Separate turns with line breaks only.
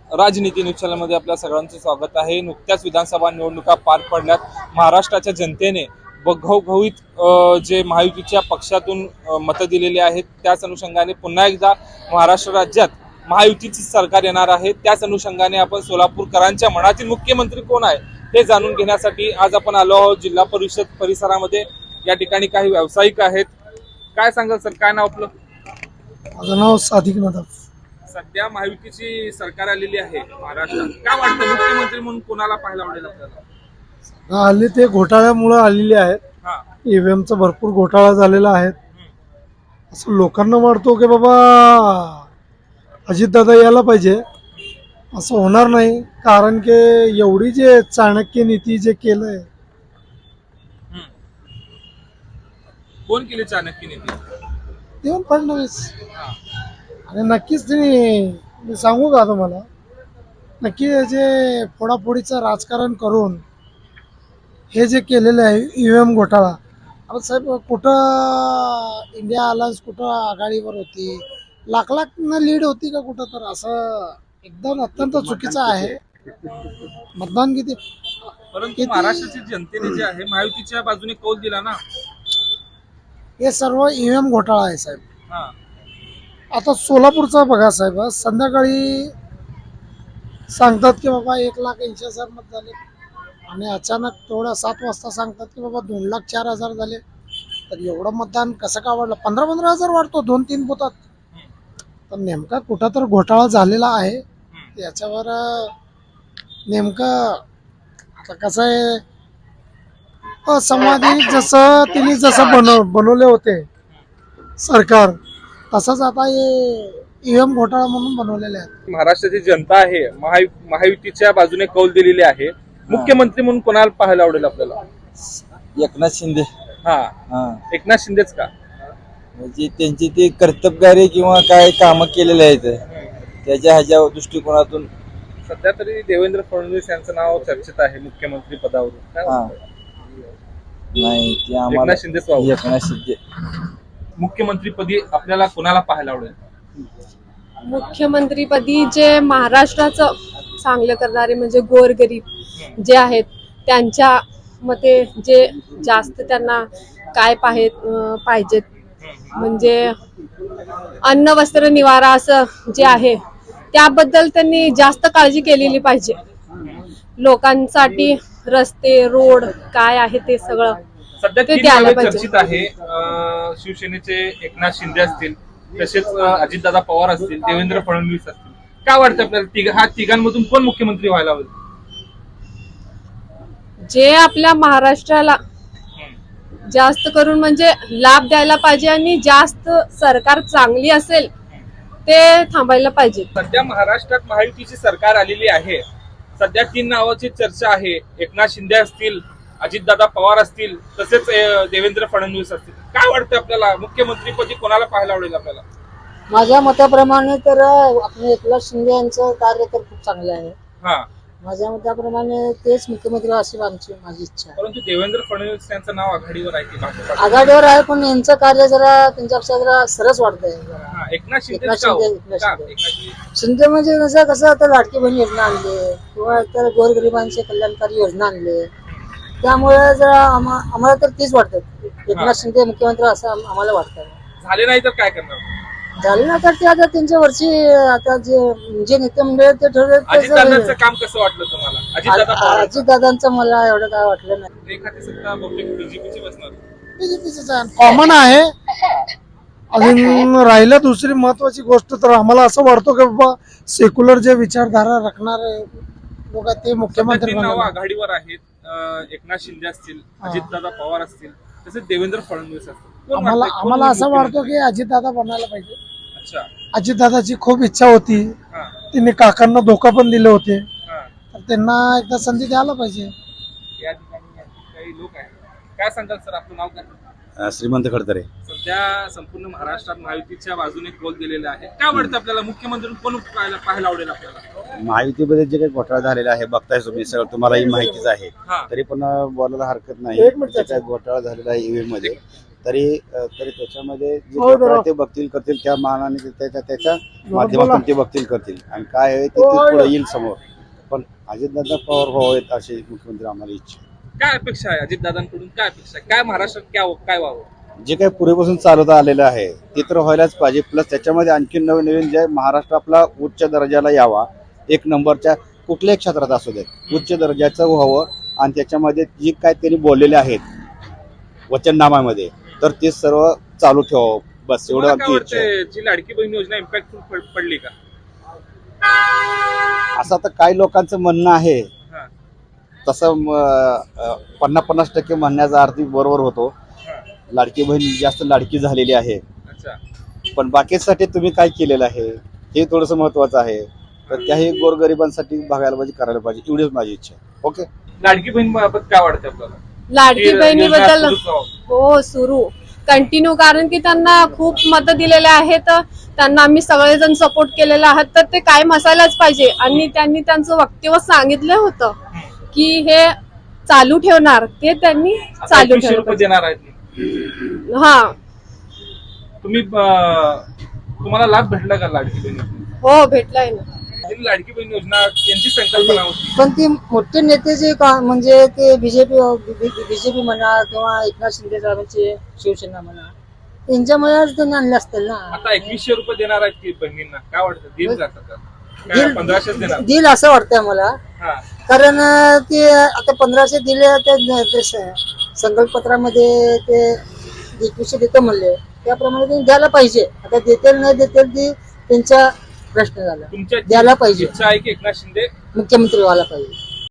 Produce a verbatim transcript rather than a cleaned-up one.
राजनीती न्यूज चॅनलमध्ये आपल्या सगळ्यांचं स्वागत आहे। नुकत्याच विधानसभा निवडणुका पार पडल्यात। महाराष्ट्राच्या जनतेने घवघवीत जे महायुतीच्या पक्षातून मतं दिलेली आहेत त्याच अनुषंगाने पुन्हा एकदा महाराष्ट्र राज्यात महायुतीचे सरकार येणार आहे। त्याच अनुषंगाने आपण सोलापूरकरांच्या मनातील मुख्यमंत्री कोण आहे हे जाणून घेण्यासाठी आज आपण आलो आहोत जिल्हा परिषद परिसरामध्ये। या ठिकाणी काही व्यावसायिक आहेत। काय सांगाल सर, काय नाव आपलं?
माझं नाव सादिक नदाफ।
सध्या महायुतीची सरकार आलेली आहे महाराष्ट्रात, काय वाटतं मुख्यमंत्री म्हणून कोणाला पाहायला आवडेल आपल्याला?
हल्ली ते घोटाळ्यामुळे आलेले आहेत।
हा
ईव्हीएम चा भरपूर घोटाळा झालेला आहे। असं लोकांना वाटतो की बाबा अजितदादा यायला पाहिजे, असं होणार नाही। कारण की एवढी जे चाणक्य नीती जे केलंय,
कोण केली चाणक्य नीती?
देवेंद्र फडणवीस। आणि नक्कीच तुम्ही मी सांगू का तुम्हाला, नक्की जे फोडाफोडीचं राजकारण करून हे जे केलेलं आहे ईव्हीएम घोटाळा, आता साहेब कुठं इंडिया अलायन्स कुठं आघाडीवर होती, लाख लाख न लीड होती का कुठं? तर असं एकदम अत्यंत चुकीचं आहे। मतदान किती,
परंतु महाराष्ट्राच्या जनतेने जे आहे महायुतीच्या बाजूने कौल दिला ना।
हे सर्व ईव्हीएम घोटाळा आहे साहेब।
हा
आता सोलापूरचा बघा साहेब, संध्याकाळी सांगतात की बाबा एक लाख ऐंशी हजार मत झाले आणि अचानक तेवढ्या सात वाजता सांगतात की बाबा दोन लाख चार हजार झाले। तर एवढं मतदान कसं का वाढलं? पंधरा पंधरा हजार वाढतो दोन तीन बुथात। तर नेमका कुठं तर घोटाळा झालेला आहे, याच्यावर नेमकं आता कसं आहे, असंवादी जसं तिने जसं बनव बनवले होते सरकार, तसंच आता हे ईव्हीएम घोटाळा म्हणून बनवलेले आहेत।
महाराष्ट्राची जनता आहे महायु महायुतीच्या बाजूने कौल दिलेली आहे। मुख्यमंत्री म्हणून कोणाला पाहायला आवडेल आपल्याला?
एकनाथ शिंदे।
हा
हा
एकनाथ शिंदेच का?
म्हणजे त्यांची ते कर्तबगारी किंवा काय कामं केलेले आहेत त्याच्या ह्याच्या दृष्टिकोनातून।
सध्या तरी देवेंद्र फडणवीस यांचं नाव चर्चेत आहे मुख्यमंत्री पदावरून, काय
हा
वाटतं?
नाही ते आम्हाला
एकनाथ शिंदेच व्हावं।
एकनाथ शिंदे
मुख्यमंत्रीपदी आपल्याला कोणाला पाहायला आवडेल?
मुख्यमंत्रीपदी जे महाराष्ट्राचं चांगलं करणारे म्हणजे गोरगरीब जे आहेत त्यांच्या मते जे जास्त त्यांना काय पाहे पाहिजेत, म्हणजे अन्न वस्त्र निवारा असं जे आहे त्याबद्दल त्यांनी जास्त काळजी केलेली पाहिजे। लोकांसाठी रस्ते रोड काय आहे ते सगळं
सध्या
ते
तीन
द्यायला
नावे
पाहिजे।
चर्चित आहे। अं, शिवसेनेचे एकनाथ शिंदे असतील, तसेच अं, अजितदादा पवार असतील, देवेंद्र फडणवीस असतील। काय वाटतं आपल्याला तिघ हा तिघांमधून कोण मुख्यमंत्री व्हायला हवे?
जे आपल्या महाराष्ट्राला जास्त करून म्हणजे लाभ द्यायला पाहिजे आणि जास्त सरकार चांगली असेल ते थांबायला पाहिजे।
सध्या महाराष्ट्रात महायुतीची सरकार आलेली आहे। सध्या तीन नावाची चर्चा आहे, एकनाथ शिंदे असतील, अजितदादा पवार असतील, तसेच अं, देवेंद्र फडणवीस असतील। काय वाटतं आपल्याला मुख्यमंत्रीपदी कोणाला पाहायला आवडेल आपल्याला?
माझ्या मताप्रमाणे तर आपले एकनाथ शिंदे यांचं कार्य तर खूप चांगलं आहे।
हा
माझ्या मताप्रमाणे तेच मुख्यमंत्री अशी आमची माझी इच्छा आहे।
परंतु देवेंद्र फडणवीस यांचं नाव आघाडीवर आहे की भाजपा?
आघाडीवर आहे, पण यांचं कार्य जरा त्यांच्यापेक्षा जरा सरस वाटतंय।
हा, एकनाथ शिंदे
एकनाथ
का हो?
शिंदे, एकनाथ
का?
शिंदे.
एकनाथ शिंदे.
शिंदे म्हणजे कसं कसं आता लाडकी बहीण योजना आणली किंवा इतर गोरगरिबांची कल्याणकारी योजना आणली, त्यामुळे जरा आम्हा आम्हाला तर तीच वाटतं एकनाथ शिंदे मुख्यमंत्री असं आम- आम्हाला वाटतं।
झाले नाही तर काय करणार?
झाले ना तर ते आता त्यांच्या वरची आता जे जे नेते मंडळ ते ठरवलं
अजितदादांचं काम कसं वाटलं तुम्हाला? अजितदादा पवार
अजितदादांचं मला एवढं काय वाटलं नाही।
एखादी सत्ता बहुतेक बीजेपीची बसणार।
बीजेपीचं कॉमन आहे। अजून राहिलं दुसरी महत्वाची गोष्ट, तर आम्हाला असं वाटतं की बाबा सेक्युलर जे विचारधारा राखणारे लोक ते
सध्या
मुख्यमंत्री
तीन नावं
बनायला.
आघाडीवर आहेत। अं, एकनाथ शिंदे असतील, अजितदादा पवार असतील, तसेच देवेंद्र फडणवीस असतील। कोण
आम्हाला
वाटतंय? कोण
आम्हाला असं
मुख्यमंत्री?
वाटतं की अजितदादा बनायला पाहिजे।
अच्छा
अजितदादाची खूप इच्छा होती,
हा
त्यांनी काकांना धोका पण दिले होते,
हा
तर त्यांना एकदा संधी द्यायला पाहिजे।
या ठिकाणी आणखी काही लोक आहेत। काय सांगाल सर, आपलं नाव काय?
श्रीमंत खडतरे।
सध्या संपूर्ण महाराष्ट्रात महायुतीच्या बाजूने कौल दिलेला आहे। काय वाटतं आपल्याला मुख्यमंत्री कोण पाहायला पाहायला आवडेल आपल्याला?
महायुतीमध्ये जे काही घोटाळा झालेला आहे बघताय तुम्ही, सगळं तुम्हालाही माहितीच आहे,
हा
तरी पण बोलायला हरकत नाही।
एक मिनिट
जे काही घोटाळा झालेला आहे ईव्हीएम मध्ये, तरी अ, तरी त्याच्यामध्ये जे
हो,
प्रकार
बरोबर.
ते बघतील करतील त्या मानाने ते त्याच्या त्याच्या
बोला.
माध्यमातून ते बघतील करतील आणि काय आहे ते
हो,
ते
हो.
पुढे येईल समोर. पण अजितदादा पवार व्हावेत अशी मुख्यमंत्री आम्हाला इच्छा आहे.
काय अपेक्षा आहे अजितदादांकडून? काय अपेक्षा आहे? काय महाराष्ट्रात काय काय व्हावं?
जे काही पूर्वीपासून चालवता आलेलं आहे ते तर व्हायलाच पाहिजे. प्लस त्याच्यामध्ये आणखी नवीन नवीन जे महाराष्ट्र आपला उच्च दर्जाला यावा, एक नंबरच्या कुठल्याही क्षेत्रात असू दे उच्च दर्जाचं व्हावं आणि त्याच्यामध्ये जे काय त्यांनी बोललेले आहेत वचननामामध्ये तर ते सर्व चालू ठेवावं. बस एवढं
तुम्हाला काय
आमची इच्छा आहे.
वाटतंय जी लाडकी बहीण योजना इम्पॅक्टफुल पडली का?
असं तर काही लोकांचं म्हणणं आहे.
हा,
तसं म, अ, पन्नास पन्नास टक्के म्हणण्याचा अर्थ बरोबर होतो.
हा.
लाडकी बहीण जास्त लाडकी झालेली आहे.
अच्छा.
पण बाकीसाठी तुम्ही काय केलेलं आहे हे थोडंसं महत्वाचं आहे. तर त्याही गोरगरिबांसाठी बघायला पाहिजे, करायला पाहिजे, एवढीच माझी इच्छा आहे. ओके.
लाडकी बहीण बाबत काय वाटतं आपल्याला?
लाडकी
ती योजना
बहिणीबद्दल
सुरूच व्हावं.
हो सुरू कंटिन्यू, कारण की त्यांना खूप मतं दिलेले आहेत, त्यांना आम्ही सगळेजण सपोर्ट केलेला आहात, तर ते कायम असायलाच पाहिजे. आणि त्यांनी त्यांचं वक्तव्य सांगितलं होतं की हे चालू ठेवणार, ते त्यांनी
आता
चालू
एकवीसशे रुपये
ठेवलं.
देणार आहेत.
हा
तुम्ही अं, तुम्हाला लाभ भेटला का लाडकी बहीण योजनेचा?
हो भेटलाय ना.
ही लाडकी बहीण योजना यांची संकल्पना होती.
पण ती मोठे नेते जे का म्हणजे ते बीजेपी बीजेपी म्हणा किंवा एकनाथ शिंदे साहेबांचे शिवसेना म्हणा त्यांच्यामुळेच त्यांनी आणले असतील ना.
आता एकवीसशे रुपये देणार आहेत की बहिणींना, काय वाटतं देईल जातात का? काय
देईल-
पंधराशेच देणार?
देईल असं वाटतंय मला.
हा.
कारण अं, ते आता पंधराशे दिले ते ते स- संकल्पपत्रामध्ये ते एकवीसशे देतो म्हणले त्याप्रमाणे त्यांनी द्यायला पाहिजे. आता देतील नाही देतील ती त्यांचा प्रश्न झाला.
तुमच्या
द्यायला पाहिजे.
इच्छा आहे की एकनाथ शिंदे
मुख्यमंत्री व्हायला पाहिजे.